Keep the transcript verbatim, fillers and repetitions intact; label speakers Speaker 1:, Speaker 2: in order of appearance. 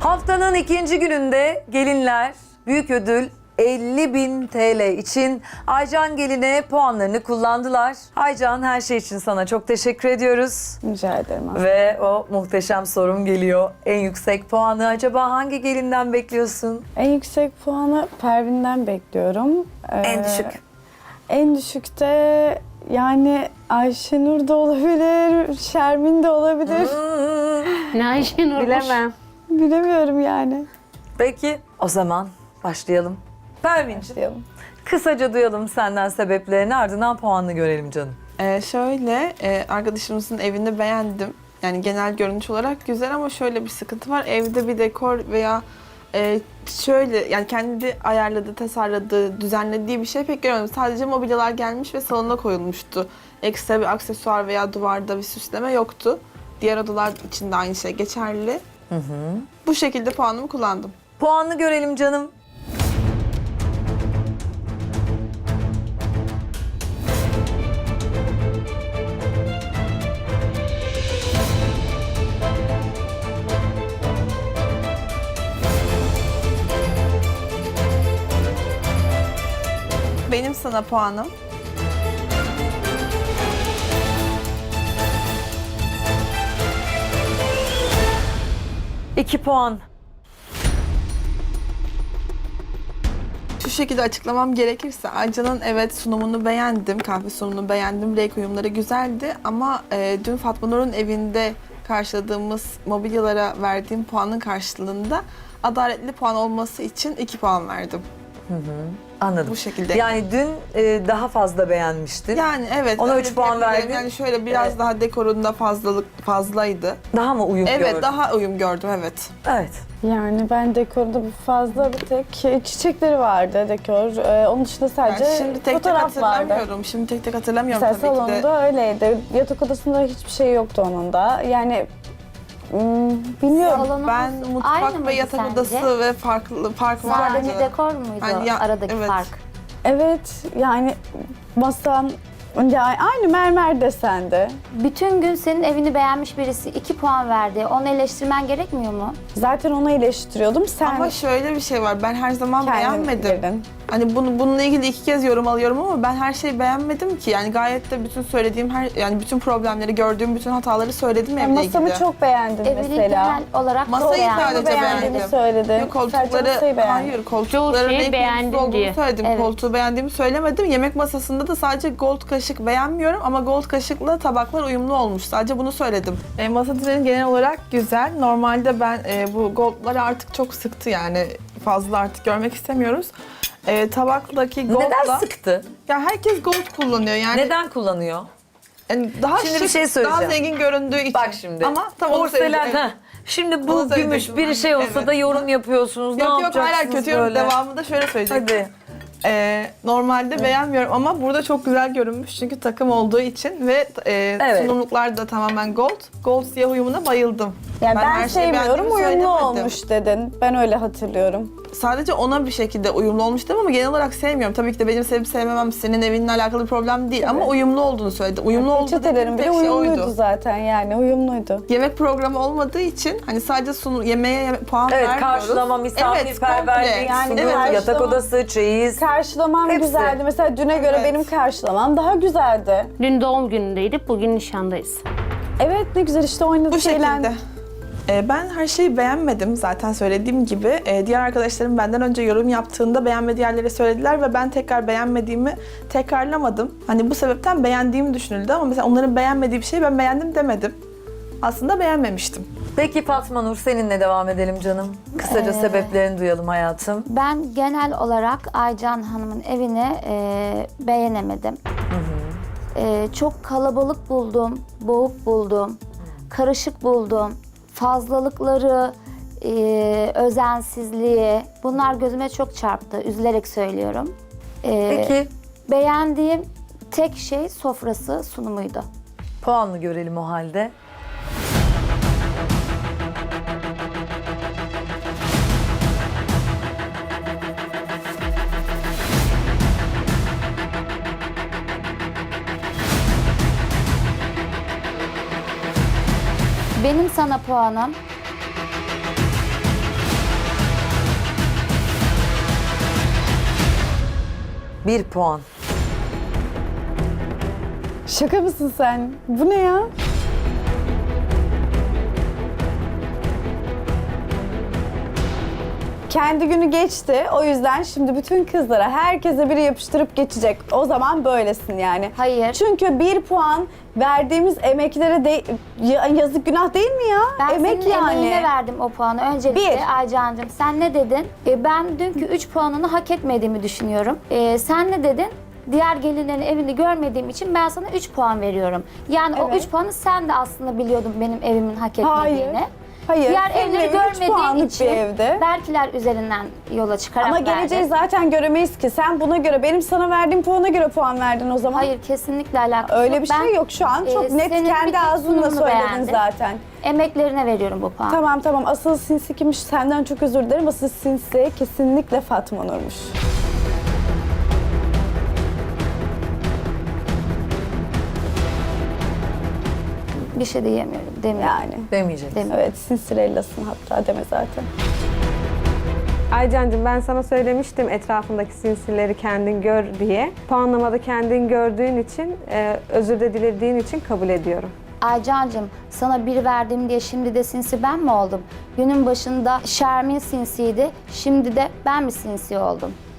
Speaker 1: Haftanın ikinci gününde gelinler büyük ödül elli bin T L için Aycan Gelin'e puanlarını kullandılar. Aycan, her şey için sana çok teşekkür ediyoruz.
Speaker 2: Rica ederim aslında.
Speaker 1: Ve o muhteşem sorum geliyor. En yüksek puanı acaba hangi gelinden bekliyorsun?
Speaker 2: En yüksek puanı Pervin'den bekliyorum. Ee,
Speaker 1: En düşük.
Speaker 2: En düşükte yani Ayşenur da olabilir, Şermin de olabilir.
Speaker 3: Ne Ayşenur?
Speaker 4: Bilemem.
Speaker 2: Bilemiyorum yani.
Speaker 1: Peki o zaman başlayalım. Pervin'ciğim,
Speaker 2: Diyelim.
Speaker 1: kısaca duyalım senden sebeplerini, ardından puanını görelim canım.
Speaker 5: Ee, şöyle, e, arkadaşımızın evini beğendim. Yani genel görünüş olarak güzel ama şöyle bir sıkıntı var. Evde bir dekor veya e, şöyle yani kendi ayarladığı, tasarladığı, düzenlediği bir şey pek görmedim. Sadece mobilyalar gelmiş ve salona koyulmuştu. Ekstra bir aksesuar veya duvarda bir süsleme yoktu. Diğer odalar için de aynı şey geçerli.
Speaker 1: Hı hı.
Speaker 5: Bu şekilde puanımı kullandım.
Speaker 1: Puanını görelim canım.
Speaker 5: Benim sana puanım
Speaker 1: İki puan.
Speaker 5: şu şekilde açıklamam gerekirse Aycan'ın evet sunumunu beğendim, kahve sunumunu beğendim, renk uyumları güzeldi ama e, dün Fatma Nur'un evinde karşıladığımız mobilyalara verdiğim puanın karşılığında adaletli puan olması için iki puan verdim.
Speaker 1: Anladım.
Speaker 5: Bu şekilde.
Speaker 1: Yani dün e, daha fazla beğenmiştin.
Speaker 5: Yani evet.
Speaker 1: Ona
Speaker 5: öyle
Speaker 1: üç puan
Speaker 5: diyebilirim.
Speaker 1: verdin.
Speaker 5: Yani şöyle biraz
Speaker 1: Evet.
Speaker 5: daha dekorunda fazlalık fazlaydı.
Speaker 1: Daha mı uyum
Speaker 5: Evet,
Speaker 1: gördün?
Speaker 5: daha uyum gördüm evet.
Speaker 1: Evet.
Speaker 2: Yani ben dekorda bir fazla bir tek çiçekleri vardı dekor. Ee, onun dışında sadece
Speaker 5: Yani şimdi tek tek
Speaker 2: fotoğraf vardı.
Speaker 5: hatırlamıyorum. Şimdi tek tek hatırlamıyorum
Speaker 2: Mesela
Speaker 5: tabii ki de.
Speaker 2: salonda öyleydi. Yatak odasında hiçbir şey yoktu onun da. Yani hmm, bilmiyorum.
Speaker 3: Salonumuz
Speaker 5: Ben
Speaker 3: aynı
Speaker 5: mutfak ve
Speaker 3: mıydı
Speaker 5: yatak
Speaker 3: sence?
Speaker 5: odası ve farklı fark vardı.
Speaker 3: Sadece dekor muydu
Speaker 5: Yani ya-
Speaker 3: aradaki
Speaker 5: evet.
Speaker 3: fark?
Speaker 2: Evet yani masam yani aynı mermer desende.
Speaker 3: Bütün gün senin evini beğenmiş birisi iki puan verdi. Onu eleştirmen gerekmiyor mu?
Speaker 2: Zaten onu eleştiriyordum. Sen
Speaker 5: Ama şöyle bir şey var. Ben her zaman
Speaker 2: kendin
Speaker 5: beğenmedim.
Speaker 2: girdin.
Speaker 5: Hani bunu bununla ilgili iki kez yorum alıyorum ama ben her şeyi beğenmedim ki. Yani gayet de bütün söylediğim her yani bütün problemleri, gördüğüm bütün hataları söyledim
Speaker 2: Ben
Speaker 5: evle
Speaker 2: masamı
Speaker 5: ilgili.
Speaker 2: çok beğendim
Speaker 3: Evini
Speaker 2: mesela.
Speaker 3: genel olarak
Speaker 5: Masayı
Speaker 3: çok beğendim.
Speaker 5: sadece
Speaker 2: beğendiğimi
Speaker 5: beğendim.
Speaker 2: söyledim.
Speaker 5: Yok,
Speaker 2: Sadece
Speaker 5: koltukları,
Speaker 2: masayı beğendim.
Speaker 5: hayır
Speaker 6: Çoğu
Speaker 5: koltukların
Speaker 6: şeyi
Speaker 5: renk
Speaker 6: beğendim
Speaker 5: uyumsuz olduğunu
Speaker 6: diye.
Speaker 5: söyledim.
Speaker 3: Evet.
Speaker 5: Koltuğu beğendiğimi söylemedim. Yemek masasında da sadece gold kaşık beğenmiyorum ama gold kaşıkla tabaklar uyumlu olmuş. Sadece bunu söyledim. E, masa düzeni genel olarak güzel. Normalde ben e, bu goldları artık çok sıktı yani. Fazla artık görmek istemiyoruz. E, tabaktaki goldla...
Speaker 1: Neden sıktı?
Speaker 5: Ya herkes gold kullanıyor yani.
Speaker 1: Neden kullanıyor?
Speaker 5: Yani daha
Speaker 1: Şimdi bir
Speaker 5: şık,
Speaker 1: şey söyleyeceğim.
Speaker 5: daha zengin göründüğü için.
Speaker 1: Bak şimdi.
Speaker 5: Ama tam onu
Speaker 1: Porselen,
Speaker 5: söyleyeceğim.
Speaker 1: ha. Şimdi bu
Speaker 5: Onu
Speaker 1: gümüş
Speaker 5: söyleyecektim
Speaker 1: bir
Speaker 5: ben.
Speaker 1: şey olsa
Speaker 5: Evet.
Speaker 1: da yorum yapıyorsunuz. Ne
Speaker 5: Yok yok hala
Speaker 1: yapacaksınız
Speaker 5: kötü yorum.
Speaker 1: böyle?
Speaker 5: Devamında şöyle söyleyeceğim.
Speaker 1: Hadi.
Speaker 5: Ee, normalde beğenmiyorum ama burada çok güzel görünmüş çünkü takım olduğu için ve e,
Speaker 1: Evet.
Speaker 5: sunumluklar da tamamen gold. Gold siyah uyumuna bayıldım.
Speaker 2: Yani ben,
Speaker 5: her şeyi
Speaker 2: sevmiyorum,
Speaker 5: beğendiğimi
Speaker 2: uyumlu
Speaker 5: söylemedim.
Speaker 2: olmuş dedin. Ben öyle hatırlıyorum.
Speaker 5: Sadece ona bir şekilde uyumlu olmuş dedim ama genel olarak sevmiyorum. Tabii ki de benim sevip sevmemem senin evinle alakalı bir problem değil ama uyumlu olduğunu söyledi. Uyumlu olduğu dediğim
Speaker 2: Peçetelerim bile
Speaker 5: tek şey
Speaker 2: uyumluydu
Speaker 5: oydu.
Speaker 2: zaten yani uyumluydu.
Speaker 5: Yemek programı olmadığı için hani sadece sunu, yemeğe yeme- puan
Speaker 1: Evet,
Speaker 5: vermiyoruz.
Speaker 1: karşılama, misafirperverlik,
Speaker 5: komple.
Speaker 2: Yani
Speaker 1: sunum,
Speaker 2: karşılama-
Speaker 1: yatak odası, çeyiz.
Speaker 2: Karşılamam
Speaker 1: Hepsi.
Speaker 2: güzeldi. Mesela düne göre
Speaker 5: Evet.
Speaker 2: benim karşılamam daha güzeldi.
Speaker 6: Dün doğum günündeydik, bugün nişandayız.
Speaker 2: Evet ne güzel işte oynadık,
Speaker 5: Bu
Speaker 2: eğlendik.
Speaker 5: şekilde. Ee, ben her şeyi beğenmedim zaten söylediğim gibi. Ee, diğer arkadaşlarım benden önce yorum yaptığında beğenmediği yerleri söylediler ve ben tekrar beğenmediğimi tekrarlamadım. Hani bu sebepten beğendiğimi düşünüldü ama mesela onların beğenmediği bir şeyi ben beğendim demedim. Aslında beğenmemiştim.
Speaker 1: Peki Fatma Nur, seninle devam edelim canım. Kısaca
Speaker 3: Ee,
Speaker 1: sebeplerini duyalım hayatım.
Speaker 3: Ben genel olarak Aycan Hanım'ın evini e, beğenemedim. E, çok kalabalık buldum, boğuk buldum, karışık buldum. Fazlalıkları, e, özensizliği bunlar gözüme çok çarptı. Üzülerek söylüyorum. E,
Speaker 1: Peki
Speaker 3: Beğendiğim tek şey sofrası, sunumuydu.
Speaker 1: puanını görelim o halde.
Speaker 3: Benim sana puanım
Speaker 1: bir puan.
Speaker 2: Şaka mısın sen? Bu ne ya? Kendi günü geçti. O yüzden şimdi bütün kızlara, herkese biri yapıştırıp geçecek. O zaman böylesin yani.
Speaker 3: Hayır.
Speaker 2: Çünkü bir puan verdiğimiz emeklere de ya- yazık, günah değil mi ya?
Speaker 3: Ben
Speaker 2: Emek
Speaker 3: senin
Speaker 2: yani.
Speaker 3: emeğine verdim o puanı. Öncelikle
Speaker 2: Bir.
Speaker 3: Aycan'cığım sen ne dedin? E, ben dünkü üç puanını hak etmediğimi düşünüyorum. E, sen ne dedin? Diğer gelinlerin evini görmediğim için ben sana üç puan veriyorum. Yani o
Speaker 2: Evet.
Speaker 3: üç puanı sen de aslında biliyordun benim evimin hak
Speaker 2: Hayır.
Speaker 3: etmediğini.
Speaker 2: Hayır.
Speaker 3: Diğer
Speaker 2: senin
Speaker 3: evleri
Speaker 2: evin üç
Speaker 3: görmediğin
Speaker 2: puanlık
Speaker 3: için
Speaker 2: bir evde.
Speaker 3: belkiler üzerinden yola çıkarak
Speaker 2: Ama
Speaker 3: verdin.
Speaker 2: geleceği zaten göremeyiz ki. Sen buna göre, benim sana verdiğim puana göre puan verdin o zaman.
Speaker 3: Hayır, kesinlikle alakası
Speaker 2: Öyle
Speaker 3: yok.
Speaker 2: bir şey
Speaker 3: Ben,
Speaker 2: yok şu an. Çok
Speaker 3: e,
Speaker 2: net
Speaker 3: senin
Speaker 2: kendi
Speaker 3: bütün
Speaker 2: ağzınla
Speaker 3: sunumunu
Speaker 2: söyledin
Speaker 3: beğendim.
Speaker 2: zaten.
Speaker 3: Emeklerine veriyorum bu puanı.
Speaker 2: Tamam tamam, asıl sinsi kimmiş, senden çok özür dilerim. Asıl sinsi kesinlikle Fatma Nur'muş.
Speaker 3: Bir şey diyemiyorum, demiyorum.
Speaker 2: Yani.
Speaker 1: Demeyecek.
Speaker 3: Demiyorum.
Speaker 2: Evet, sinsirellasın hatta, deme zaten.
Speaker 4: Aycancığım, ben sana söylemiştim etrafındaki sinsileri kendin gör diye. Puanlamada kendin gördüğün için, e, özür de dilediğin için kabul ediyorum.
Speaker 3: Aycancığım, sana bir verdim diye şimdi de sinsi ben mi oldum? Günün başında Şermin sinsiydi, şimdi de ben mi sinsi oldum?